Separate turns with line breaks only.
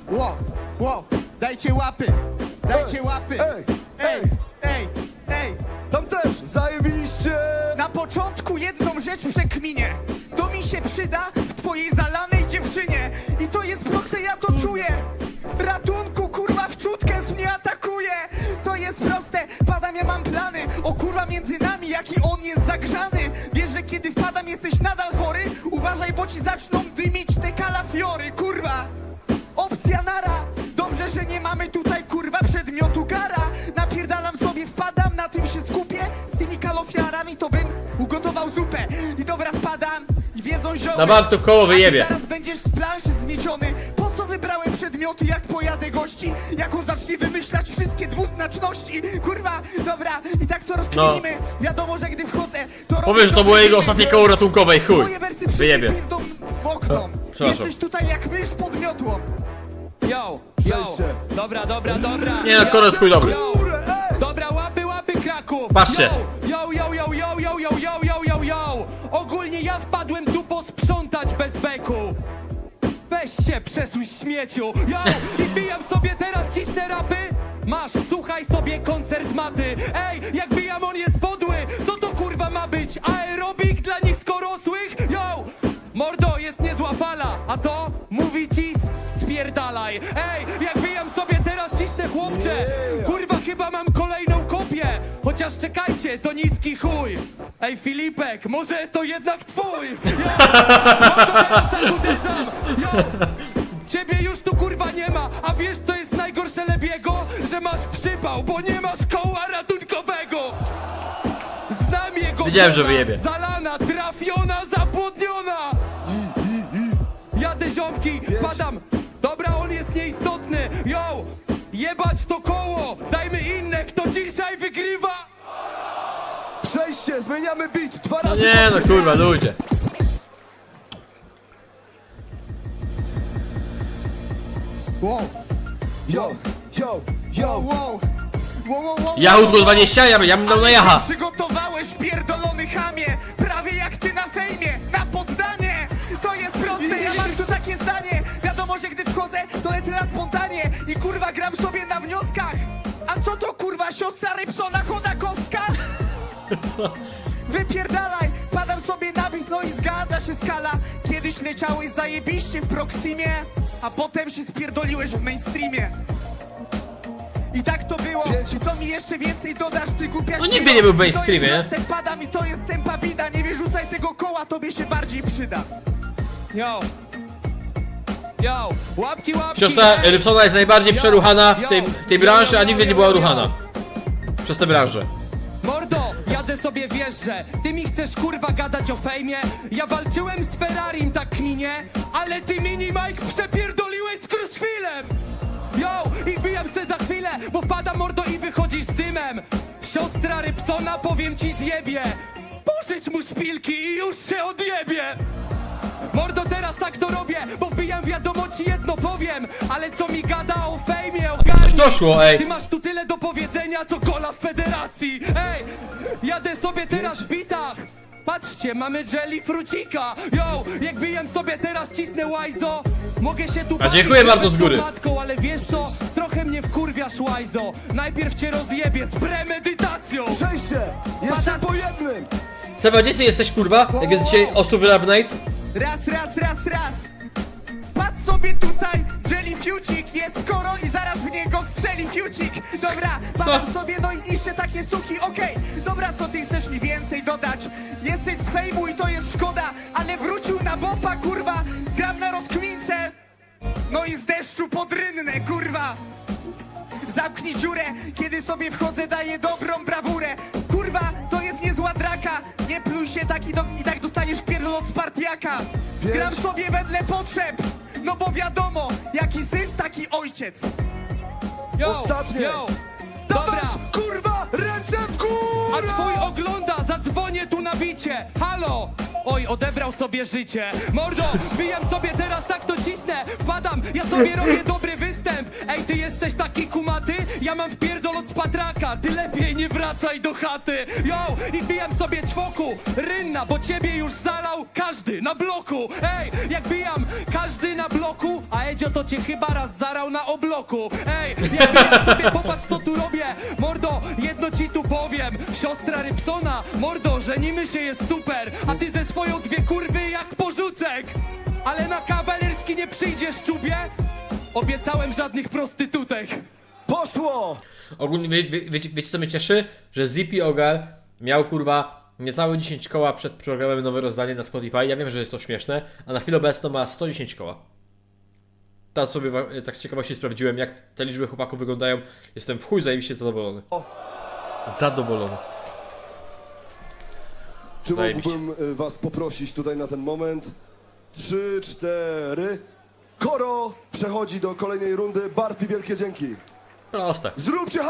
Wow, dajcie łapy, dajcie łapy. Ej.
Tam też, zajebiście!
Na początku jedną rzecz przekminię. To mi się przyda w twojej zalanej dziewczynie. I to jest proste, ja to czuję. Ratunku, kurwa, wczutkę mnie atakuje. To jest proste, padam, ja mam plany. O kurwa, między nami, jaki on jest zagrzany. Wiesz, że kiedy wpadam, jesteś nadal chory. Uważaj, bo ci zaczną dymić te kalafiory, kurwa. Opcja nara. Dobrze, że nie mamy tutaj, kurwa, przedmiotu gara. Napierdalam sobie, wpadam, na tym się skupię. Z tymi kalofiarami to bym ugotował zupę. I dobra, wpadam i wiedzą zioły.
Na bank to koło wyjebie.
A ty zaraz będziesz z planszy zmieciony. Po co wybrałem przedmioty, jak pojadę gości? Jak on zacznie wymyślać wszystkie dwuznaczności? Kurwa, dobra, i tak to rozkminimy. Wiadomo, że gdy wchodzę, to robię
Powiesz, że to było jego ostatnie koło ratunkowe i chuj.
Moje wersy
Wyjebie.
pizdą mokną.
Przepraszam.
Jesteś tutaj jak mysz pod miotłą.
Yo,
Przejście.
dobra.
Nie no, koniec chuj dobry.
Górę, ej!
Dobra, łapy Kraków.
Patrzcie.
Yo. Ogólnie ja wpadłem tu posprzątać bez beku. Weź się, przesuń śmieciu. Yo, i bijam sobie teraz, cisnę rapy. Masz, słuchaj sobie koncert maty. Ej, jak bijam, on jest podły. Co to kurwa ma być? Aerobik dla nich skorosłych? Yo, mordo, jest niezła fala. A to mówi ci spierdalaj. Ej, jak bijam sobie teraz, cisnę chłopcze. Kurwa, chyba mam kolejną kopię. Chociaż czekajcie, to niski chuj. Ej, Filipek, może to jednak twój. Yo, mordo, teraz tak uderzam. Yo, ciebie już tu kurwa nie ma. A wiesz co jest najgorsze Lebiego? Że masz przypał, bo nie masz koła ratunkowego. Znam jego
Wiedziałem, że
żona,
wyjebie.
zalana, trafiona, zapłodniona. Jadę ziomki, padam. Dobra, on jest nieistotny. Yo, jebać to koło. Dajmy inne, kto dzisiaj wygrywa.
Przejście, zmieniamy beat, dwa
No
razy
nie no,
po
kurwa, ludzie.
Wow.
Yo!
Jachód 20, ja bym dał na
Ale
jacha.
się przygotowałeś, pierdolony chamie. Prawie jak ty na fejmie, na poddanie. To jest proste, ja mam tu takie zdanie. Wiadomo, że gdy wchodzę, to lecę na spontanie. I kurwa gram sobie na wnioskach. A co to kurwa, siostra Rybsona Chodakowska? Wypierdalaj, padam sobie na bit, no i zgadza się skala. Kiedyś leciałeś zajebiście w Proximie, a potem się spierdoliłeś w mainstreamie. I tak to było.
Pięć.
I co mi jeszcze więcej dodasz, ty głupia
No nigdy nie był w mainstreamie.
To jest lastek, padam i to jest tempa bida. Nie wyrzucaj tego koła, tobie się bardziej przyda.
Yo, łapki.
Siostra
ej.
Rybsona jest najbardziej przeruchana w tej branży, a nigdy nie była
yo.
ruchana. Przez tę branżę.
Mordo, jadę sobie, wiesz, że ty mi chcesz kurwa gadać o fejmie. Ja walczyłem z Ferrarim, tak kminie, ale ty mini Mike przepierdoliłeś z Kruszwilem. Yo, i bijam se za chwilę, bo wpada mordo i wychodzisz z dymem. Siostra Rybsona, powiem ci zjebie. Pożycz mu szpilki i już się odjebie. Mordo, teraz tak to robię, bo wbijam wiadomo ci jedno powiem. Ale co mi gada o fejmie, ogarnij.
Doszło, ej.
Ty masz tu tyle do powiedzenia, co kola w federacji. Ej, jadę sobie teraz w bitach. Patrzcie, mamy jelly frucika. Yo, jak bijam sobie teraz, cisnę łajzo. Mogę się tu
A dziękuję
bawić
bardzo z góry.
matką, ale wiesz co? Trochę mnie wkurwiasz, łajzo. Najpierw cię rozjebię z premedytacją.
Przejście! Jeszcze po jednym!
Seba, gdzie ty jesteś, kurwa? Jak jest dzisiaj Ostu Wylabnate?
Raz. Patrz sobie tutaj, Jelly Fiucik. Jest korol i zaraz w niego strzeli Fiucik. Dobra, padam sobie, no i niszczę takie suki. Okej, dobra, co ty chcesz mi więcej dodać? Jesteś z fejmu i to jest szkoda, ale wrócił na bopa, kurwa. Gram na rozkmince, no i z deszczu pod rynnę, kurwa. Zamknij dziurę, kiedy sobie wchodzę, daję dobrą brawurę. Kurwa, to jest niezła draka. Nie pluj się i tak dostaniesz pierdol od Spartiaka. Gram sobie wedle potrzeb, no bo wiadomo, jaki syn, taki ojciec.
Ostatnie.
Dobra.
Dawać, kurwa, ręce w
A
górę!
twój ogląda, zadzwonię tu na bicie. Halo! Oj, odebrał sobie życie. Mordo, zbijam sobie teraz, tak to cisnę. Wpadam, ja sobie robię dobry występ. Ej, ty jesteś taki kumaty? Ja mam wpierdol od spatraka. Ty lepiej nie wracaj do chaty. Yo, i bijam sobie czwoku. Rynna, bo ciebie już zalał każdy na bloku. Ej, jak bijam każdy na bloku, a Edzio to cię chyba raz zarał na obloku. Ej, jak sobie popatrz co tu robię. Mordo, jedno ci tu powiem. Siostra Rybsona, mordo, żenimy się jest super. A ty ze swoją dwie kurwy jak porzucek. Ale na kawalerski nie przyjdziesz, czubie? Obiecałem żadnych prostytutek.
Poszło!
Ogólnie wiecie co mnie cieszy? Że Zippy Ogar miał kurwa niecałe 10 koła przed programem Nowe Rozdanie na Spotify. Ja wiem, że jest to śmieszne, a na chwilę obecną ma 110 koła. Teraz sobie tak z ciekawości sprawdziłem, jak te liczby chłopaków wyglądają. Jestem w chuj zajebiście zadowolony. Zadowolony.
Czy
Zajebiście.
mógłbym was poprosić tutaj na ten moment? 3, 4. Koro przechodzi do kolejnej rundy. Barty, wielkie dzięki.
Proste.
Zróbcie